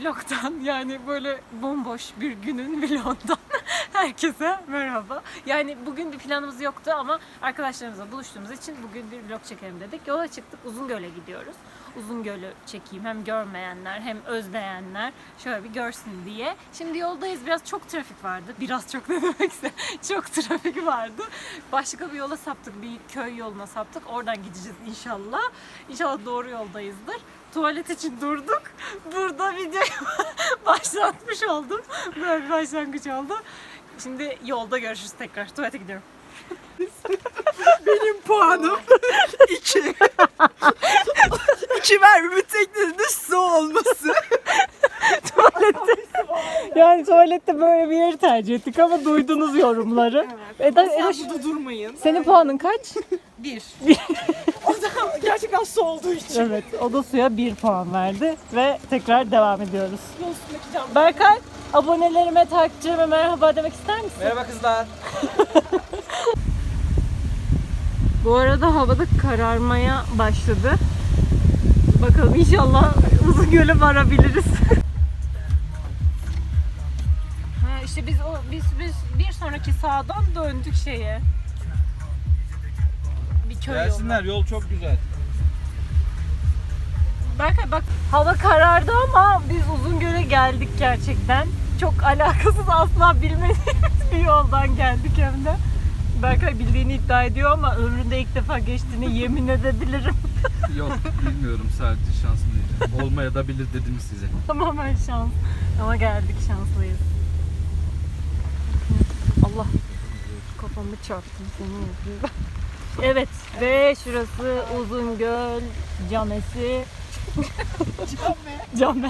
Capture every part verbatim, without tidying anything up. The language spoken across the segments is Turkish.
vlogdan, yani böyle bomboş bir günün vlogundan herkese merhaba. Yani bugün bir planımız yoktu ama arkadaşlarımızla buluştuğumuz için bugün bir vlog çekelim dedik. Yola çıktık, Uzungöl'e gidiyoruz. Uzungöl'ü çekeyim, hem görmeyenler hem özleyenler şöyle bir görsün diye. Şimdi yoldayız, biraz çok trafik vardı. Biraz çok ne demekse çok trafik vardı. Başka bir yola saptık, bir köy yoluna saptık. Oradan gideceğiz inşallah. İnşallah doğru yoldayızdır. Tuvalet için durduk. Burada videoyu başlatmış oldum. Böyle bir başlangıç oldu. Şimdi yolda görüşürüz tekrar. Tuvalete gidiyorum. Benim puanım iki. İki vermemin tek nedeni su olması. Tuvalette. Yani tuvalette böyle bir yeri tercih ettik ama duydunuz yorumları. Evet. Eda, Sen Eda, burada durmayın. senin puanın kaç? Bir. O da gerçekten su olduğu için. Evet, o da suya bir puan verdi ve tekrar devam ediyoruz. Yol üstündeki cam. Berkay, abonelerime, takipçilerime merhaba demek ister misin? Merhaba kızlar. Bu arada havada kararmaya başladı. Bakalım inşallah Uzungöl'e varabiliriz. Ha işte biz o biz biz bir sonraki sağdan döndük şeye. Bir köy yolu. Gelsinler, yol çok güzel. Berkay bak, hava karardı ama biz Uzungöl'e geldik gerçekten. Çok alakasız, asla bilmediğimiz bir yoldan geldik hem de. Berkay bildiğini iddia ediyor ama ömründe ilk defa geçtiğini yemin edebilirim. Yok, bilmiyorum, sadece şansım değil. Olmaya da bilir dedim size. Tamamen şans. Ama geldik, şanslıyız. Allah, kafamı çarptım senin yüzünden. Evet ve şurası Uzungöl Camesi. Came.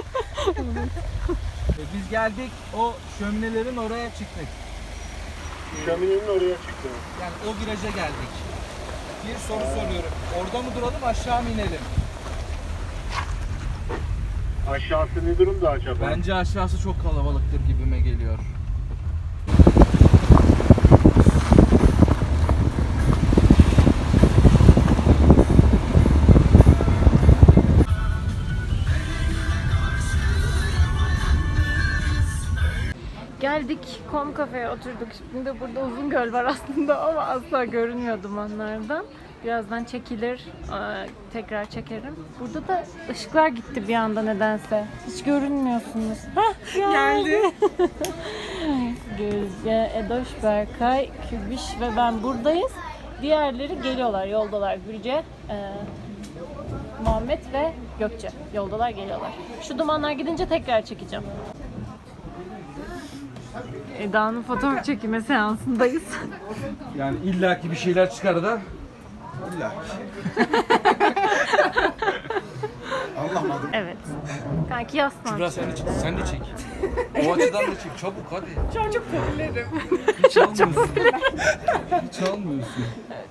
Biz geldik, o şöminelerin oraya çıktık. Şöminenin oraya çıktı. Yani o viraja geldik. Bir soru soruyorum. Orada mı duralım, aşağı mı inelim? Aşağısı ne durumda acaba? Bence aşağısı çok kalabalıktır gibime geliyor. Geldik, Kom Cafe'ye oturduk. Şimdi burada Uzungöl var aslında ama asla görünmüyor dumanlardan. Birazdan çekilir, aa, tekrar çekerim. Burada da ışıklar gitti bir anda nedense. Hiç görünmüyorsunuz. Hah, geldi. Gözde, Edoş, Berkay, Kübiş ve ben buradayız. Diğerleri geliyorlar, yoldalar. Gülce, e, Muhammed ve Gökçe yoldalar, geliyorlar. Şu dumanlar gidince tekrar çekeceğim. Eda'nın fotoğraf çekimi seansındayız. Yani illaki bir şeyler çıkar da. İllaki. Anlamadım. Evet. Kanki yaslan. Kübra sen de çek, sen de çek. O açıdan da çek, çabuk hadi. Şu an çok popülerim. Hiç almıyorsun. Hiç almıyorsun.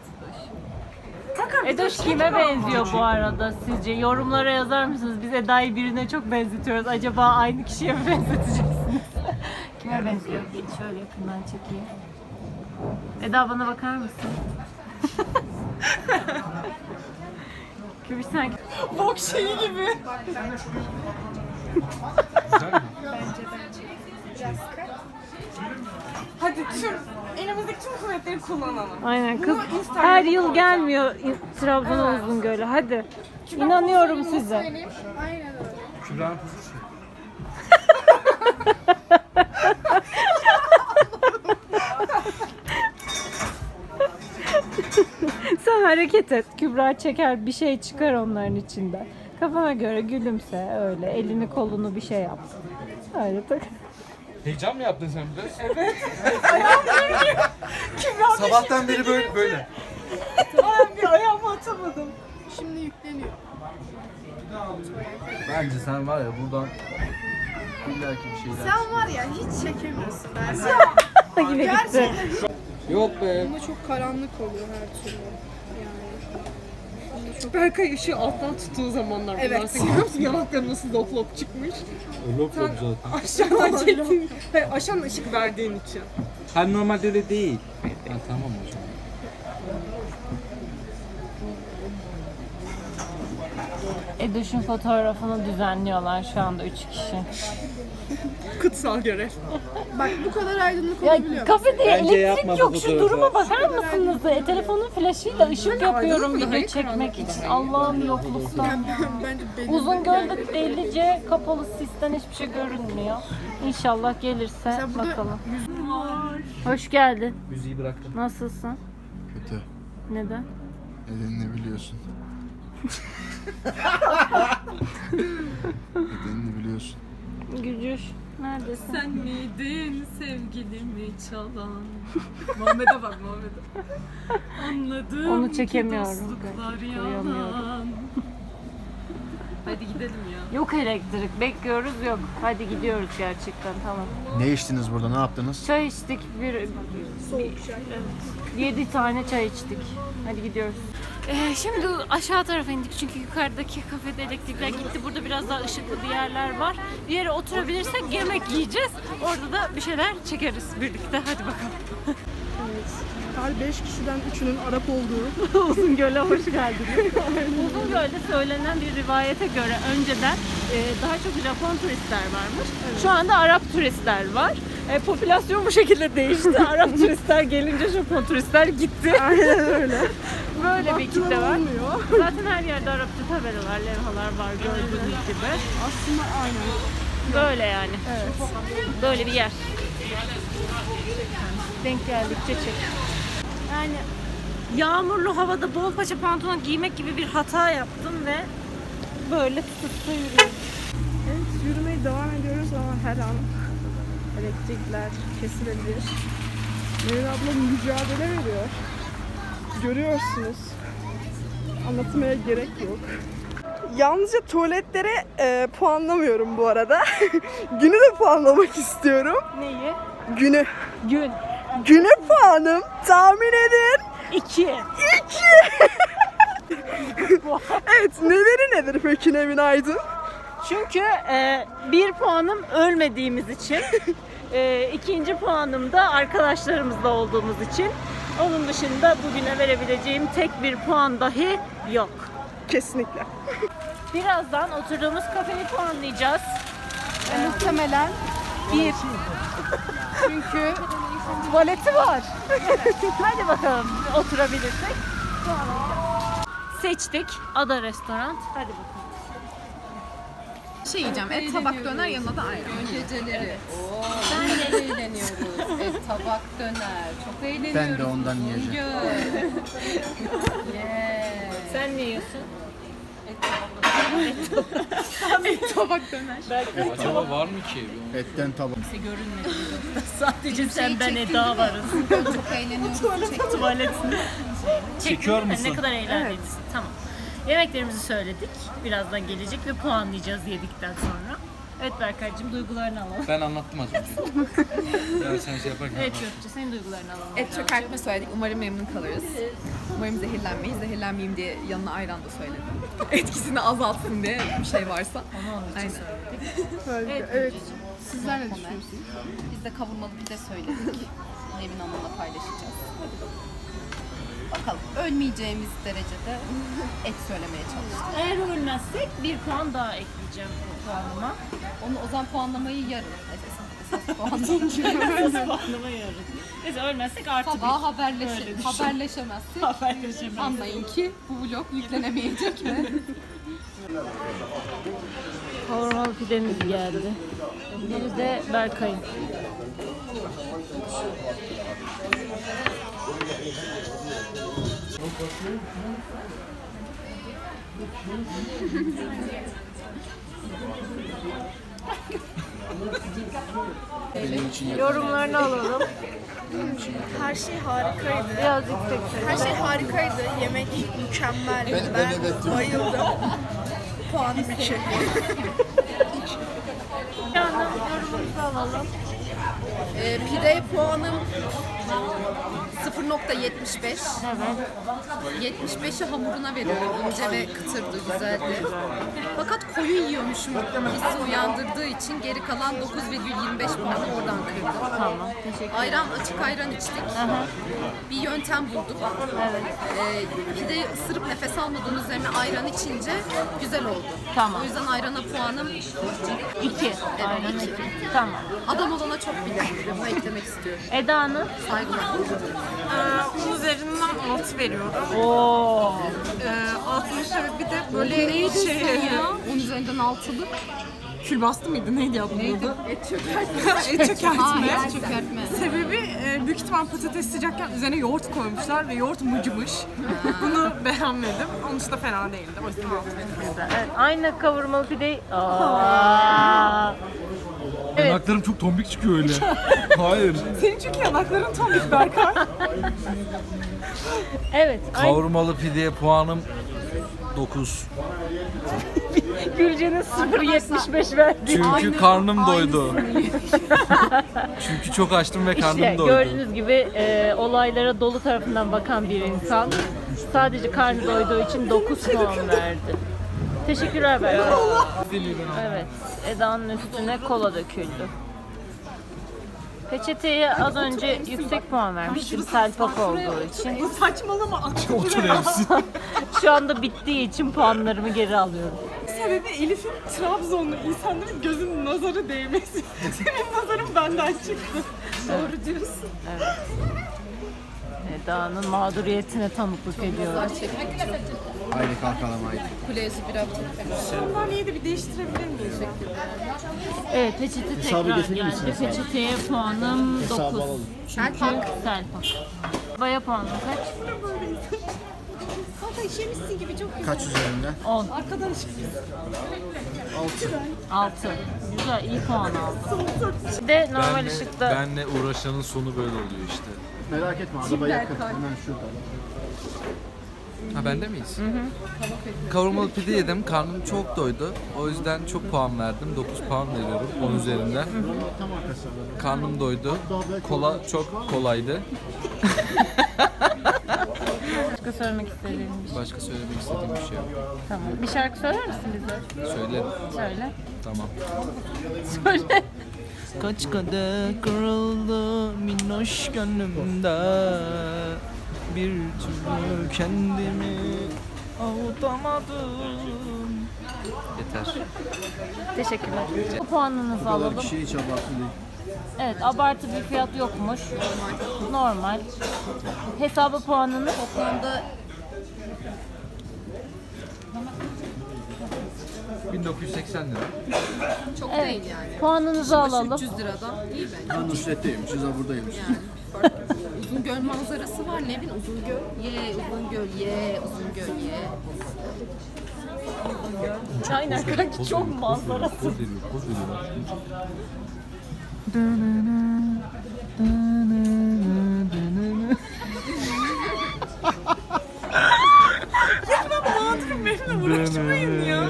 Edoş kime benziyor bu arada sizce? Yorumlara yazar mısınız? Biz Eda'yı birine çok benzetiyoruz. Acaba aynı kişiye mi benzeteceksiniz? Kime benziyor? Bir şöyle yakından çekeyim. Eda, bana bakar mısın? Kübiş sanki. Bok şeyi gibi. Güzel mi? Hadi tüm elimizdeki tüm kuvvetleri kullanalım. Aynen kız Bunu Instagram'a her yıl koyacağım. gelmiyor Trabzon'a, Uzungöl'e. Hadi. İnanıyorum size. Aynen öyle. Kübra'nın pozisyon. Sen hareket et. Kübra çeker, bir şey çıkar onların içinden. Kafana göre gülümse öyle. Elini kolunu bir şey yap. Öyle tak. Heyecan mı yaptın sen biraz? Evet. Sabahtan beri böyle böyle. Ben bir ayağımı atamadım. Şimdi yükleniyor. Bence sen var ya buradan illaki bir şeyler. Sen var ya hiç çekemiyorsun ben. Gibi gitti. Yok be. Ama çok karanlık oluyor her türlü. Berkay ışığı alttan tuttuğu zamanlar bunlar. Evet. Sen görüyor musun yanakları nasıl lop lop çıkmış? Lop lop zaten. Aşağıdan çektin. Hayır, aşağıdan ışık verdiğin için. Hem normalde öyle değil. Ha, tamam o zaman. Edoş'un fotoğrafını düzenliyorlar şu anda üç kişi. Kutsal görev. Bak bu kadar aydınlık Ya olabiliyor. kafede Bence yapma elektrik bu yok. Şu fotoğrafı. duruma bakar mısınız? E, telefonun flaşıyla ışık yapıyorum aydınlık mı? video çekmek için. Allah'ım yokluktan. Bence belli. Uzungöl'de delice kapalı sisten hiçbir şey görünmüyor. İnşallah gelirse Mesela burada bakalım. Hoş geldin. Müziği bıraktım. Nasılsın? Kötü. Neden? Nedenini biliyorsun. Nedenini biliyorsun. Gücüş. Neredesin? Sen miydin sevgilimi çalan? Muhammed'e bak Muhammed'e. Anladım. Onu çekemiyorum. ki dostluklar Koyamıyorum. yalan. Hadi gidelim ya. Yok elektrik. Bekliyoruz yok. Hadi gidiyoruz gerçekten tamam. Ne içtiniz burada? Ne yaptınız? Çay içtik. Bir, bir yedi tane çay içtik. Hadi gidiyoruz. Ee, şimdi aşağı tarafa indik çünkü yukarıdaki kafede elektrikler gitti. Burada biraz daha ışıklı bir yerler var. Bir yere oturabilirsek yemek yiyeceğiz. Orada da bir şeyler çekeriz birlikte. Hadi bakalım. Her beş kişiden üçünün Arap olduğu. Uzungöl'e hoş geldiniz. Uzungöl'de söylenen bir rivayete göre önceden e, daha çok Japon turistler varmış. Şu anda Arap turistler var. E, popülasyon bu şekilde değişti. Arap turistler gelince Japon turistler gitti. Aynen öyle. Böyle bir kitle var. Zaten her yerde Arapça tabelalar, levhalar var gördüğünüz gibi. Aslında aynen. Böyle yani. Böyle bir yer. Denk geldikçe çek. Yani yağmurlu havada bol paça pantolon giymek gibi bir hata yaptım ve böyle tutup da yürüyorum. Evet, yürümeye devam ediyoruz ama her an elektrikler kesilebilir. Nevin abla mücadele veriyor. Görüyorsunuz. Anlatmaya gerek yok. Yalnızca tuvaletlere e, puanlamıyorum bu arada. Günü de puanlamak istiyorum. Neyi? Günü. Gün. Güne puanım tahmin edin. İki. İki. Evet, neleri nedir peki Nevin Aydın? Çünkü e, bir puanım ölmediğimiz için, e, ikinci puanım da arkadaşlarımızla olduğumuz için. Onun dışında bugüne verebileceğim tek bir puan dahi yok. Kesinlikle. Birazdan oturduğumuz kafeyi puanlayacağız. Muhtemelen Bir. Çünkü tuvaleti var. Hadi bakalım oturabilirsek puanlayacağız. Seçtik. Ada Restoran. Hadi bakalım. Şey yiyeceğim, et tabak döner yanına da ayran. Geceleri. Oo, ben de eğleniyoruz. Et, tabak, döner. Çok eğleniyoruz. Ben de ondan yiyeceğim. Yeah. Sen ne yiyorsun? Et tabak döner. Acaba var mı ki? Etten tabak. Sadece sen ben Eda varız. Çok eğleniyoruz. Çek- Tuvaletini. Çekiyor Çektin mi? musun? Ne kadar eğlendiğimizi. Tamam. Yemeklerimizi söyledik. Birazdan gelecek ve puanlayacağız yedikten sonra. Evet Berkay'cığım duygularını alalım. Ben anlattım az önce. Ya sen şey yaparken. Evet Gökçe senin duygularını alalım. Et çökertme söyledik. Umarım memnun kalırız. Umarım zehirlenmeyiz. Zehirlenmeyeyim diye yanına ayran da söyledim. Etkisini azaltsın diye bir şey varsa. Onu onun için Aynen. söyledik. Harika. Evet. Evet. Gökçe'cim. Sizler ne düşünüyorsunuz? Biz de kavurmalı pide söyledik. Nevin Hanım'la paylaşacağız. Bakalım. Ölmeyeceğimiz derecede et söylemeye çalıştık. Eğer ölmezsek bir puan daha ekleyeceğim puanıma. Onu o zaman puanlamayı yarın. Esas, esas puanlamayı. Nasıl puanlama yarın? Neyse ölmezsek artı bir. Sabah haberleşe, Öyle düşün. haberleşemezsek Haberleşemez. anlayın ki bu vlog yüklenemeyecek ve Kavurmalı pidemiz geldi. Biri de Berkay'ın. Benim için yeter. Yorumlarını alalım. Her şey harikaydı. Biraz yüksek ses. Her şey harikaydı. Yemek mükemmeldi. Ben- Ben, ben evet diyorum. bayıldım. Puanım iki. Yandan yorumunuzu alalım. Ee, pide puanım sıfır nokta yetmiş beş. Evet. yetmiş beşi hamuruna veriyorum. İnce ve kıtırdı, güzeldi. Fakat koyu yiyormuşum hissi uyandırdığı için geri kalan dokuz virgül yirmi beş puanı oradan kırdım. Tamam. Teşekkür Ayran, açık ayran içtik. Bir yöntem bulduk. Ee, pideyi ısırıp nefes almadığın üzerine ayran içince güzel oldu. Tamam. O yüzden ayrana puanım İki. Aynen iki. iki. Tamam. adam olana çok bilir. Bunu eklemek istiyorum. Eda'nın? Saygılar. Onun üzerinden altı veriyorum. Oo. Ee, altının sebebi de böyle şey... Ya, onun üzerinden altılı. Külbastı mıydı? Neydi ya bunun adı? Et çökertme. Et çökertme. Hayır, et çökertme. Sebebi e, büyük ihtimal patates sıcakken üzerine yoğurt koymuşlar ve yoğurt mıcımış. Bunu beğenmedim. Onun için de fena değildi. O yüzden altı veriyorum. Güzel. Evet, aynı kavurmalı pideyi... Aa. Evet. Yanaklarım çok tombik çıkıyor öyle. Hayır. Senin çünkü yanakların tombik Berkay. Evet. Aynı. Kavurmalı pideye puanım dokuz. Gülce'nin sıfır virgül yetmiş beş verdi. Çünkü karnım doydu. Çünkü çok açtım ve karnım İşte doydu. gördüğünüz gibi e, olaylara dolu tarafından bakan bir insan sadece karnı doyduğu için dokuz puan verdi. Teşekkürler Berkay. Evet. Eda'nın üstüne kola döküldü. Peçeteye az önce yüksek puan vermiştim selpak olduğu için. Saçmalama akşam. Otur Elif'sin. Şu anda bittiği için puanlarımı geri alıyorum. Sebebi Elif'in Trabzonlu insanların gözünün nazarı değmesi. Senin nazarın benden çıktı. Doğru diyorsun. Eda'nın mağduriyetine tanıklık ediyoruz. Çekmek çok. Haydi kalkalım haydi. Kulesi bir hafta. Sandalyeyi de bir değiştirebilir miyiz? Evet peçete Hesabı tekrar getirir geldi. misiniz? Peçeteye puanım Hesabı dokuz. alalım. Çünkü selpak. Baya puanım kaç? Kaç üzerinden? on. Arkadan ışık. altı. Güzel iyi puan aldım. Bir de normal Benle, ışıkta benle uğraşanın sonu böyle oluyor işte. Merak etme araba yakın. Hemen şurada. Ha bende miyiz? Hı hı. Kavurmalı pide yedim. Karnım çok doydu. O yüzden çok puan verdim. dokuz puan veriyorum on üzerinden. Tam arkası. Karnım doydu. Kola çok kolaydı. başka söylemek istediğim bir şey. Başka söylemek istediğim bir şey yok. Tamam. Bir şarkı söyler misin bize? Söylerim. Söyle. Tamam. Söyle. Kaç kadeh kırıldı minnoş gönlümde. Bir türlü kendimi avutamadım. Yeter. Teşekkürler. Bu puanınızı Bu kadar alalım. kişi hiç abartı değil. Evet abartı bir fiyat yokmuş. Normal. Hesabı puanını Toplamda bin dokuz yüz seksen lira. çok Evet. değil yani. puanınızı alalım. üç yüz liradan iyi bence. Ben Nusret'teymişiz ha buradaymış. Yani. Fark yok. Uzungöl manzarası var. Nevin Uzungöl. Ye Uzungöl ye Uzungöl ye. Aynen kanki çok manzarası. Poz veriyor, poz veriyor. Uğraşmayın ya.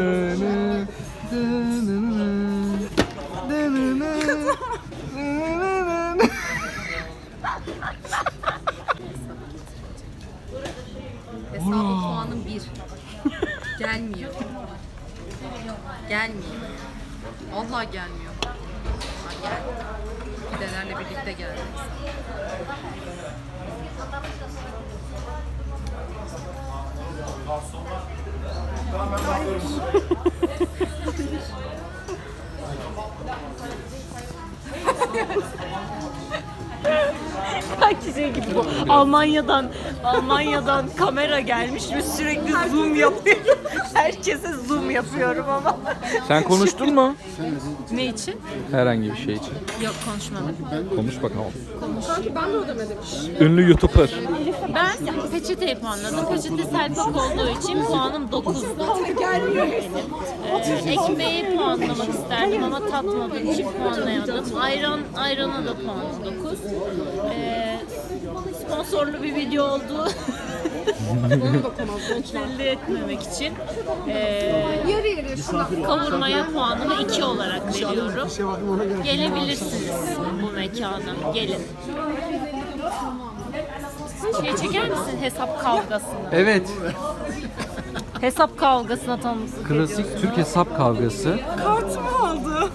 Hesabı puanım bir. Gelmiyor. Gelmiyor. Vallahi gelmiyor. Ha, geldi. Pidelerle birlikte geldi. Kanki şey gibi bu. Almanya'dan Almanya'dan kamera gelmiş ve sürekli zoom yapıyorum. Herkese zoom yapıyorum ama. Sen konuştun mu? Ne için? Herhangi bir şey için. Yok konuşmadım. Konuş bakalım. Sanki ben de ödemedim. Ünlü YouTuber. Ben peçeteyi puanladım. Peçete selpak olduğu için puanım dokuzdu. Ee, ekmeği puanlamak isterdim ama tatmadığım için puanlayamadım. Ayran, ayrana da puanım dokuz. Ee, sponsorlu bir video oldu. Belli etmemek için. Ee, kavurmaya puanımı iki olarak veriyorum. Gelebilirsiniz bu mekana. Gelin. Şey çeker misin hesap kavgasını? Evet. Hesap kavgasına tanıklık Klasik Türk hesap kavgası. Kartımı aldı.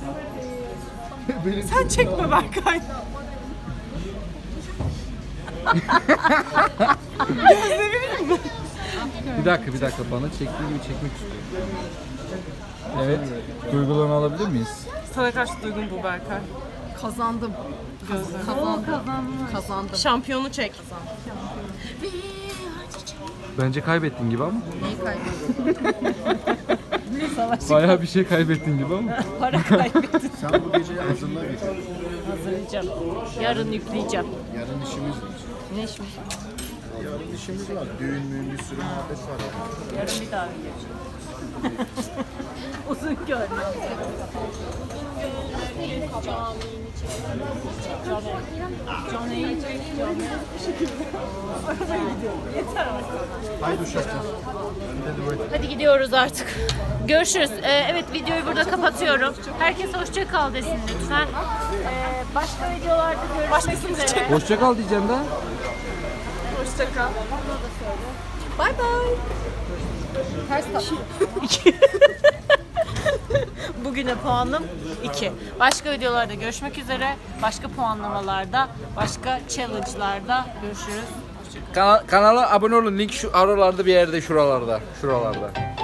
Sen çekme Berkay. Bir dakika bir dakika bana çektiği gibi çekmek istiyorum. Evet. Duygularını alabilir miyiz? Sana karşı duygum bu Berkay. Kazandım. Gözlerim. Kazandım. Kazandım. Şampiyonu çek. Bence kaybettin gibi ama. Neyi kaybettim? Bayağı bir şey kaybettin gibi ama. Para kaybettim. Sen bu geceyi hazırla bir. Hazırlayacağım. Yarın yükleyeceğim. Yarın işimiz var. Ne işmiş? Yarın işimiz var. Düğün müğün bir sürü muhabbet var yani. Yarın bir daha geleceğim. Uzun göl. Haydi uşaklar. Hadi gidiyoruz artık. Görüşürüz. Ee, evet videoyu burada kapatıyorum. Herkes hoşça kal desin lütfen. Ee, başka videolarda görüşmek üzere. Hoşça kal diyeceğim de. Hoşça kal. Bay bay. Ters tap. Bugüne puanım iki. Başka videolarda görüşmek üzere. Başka puanlamalarda, başka challenge'larda görüşürüz. Kana- kanala abone olun. Link şu aralarda bir yerde şuralarda. Şuralarda.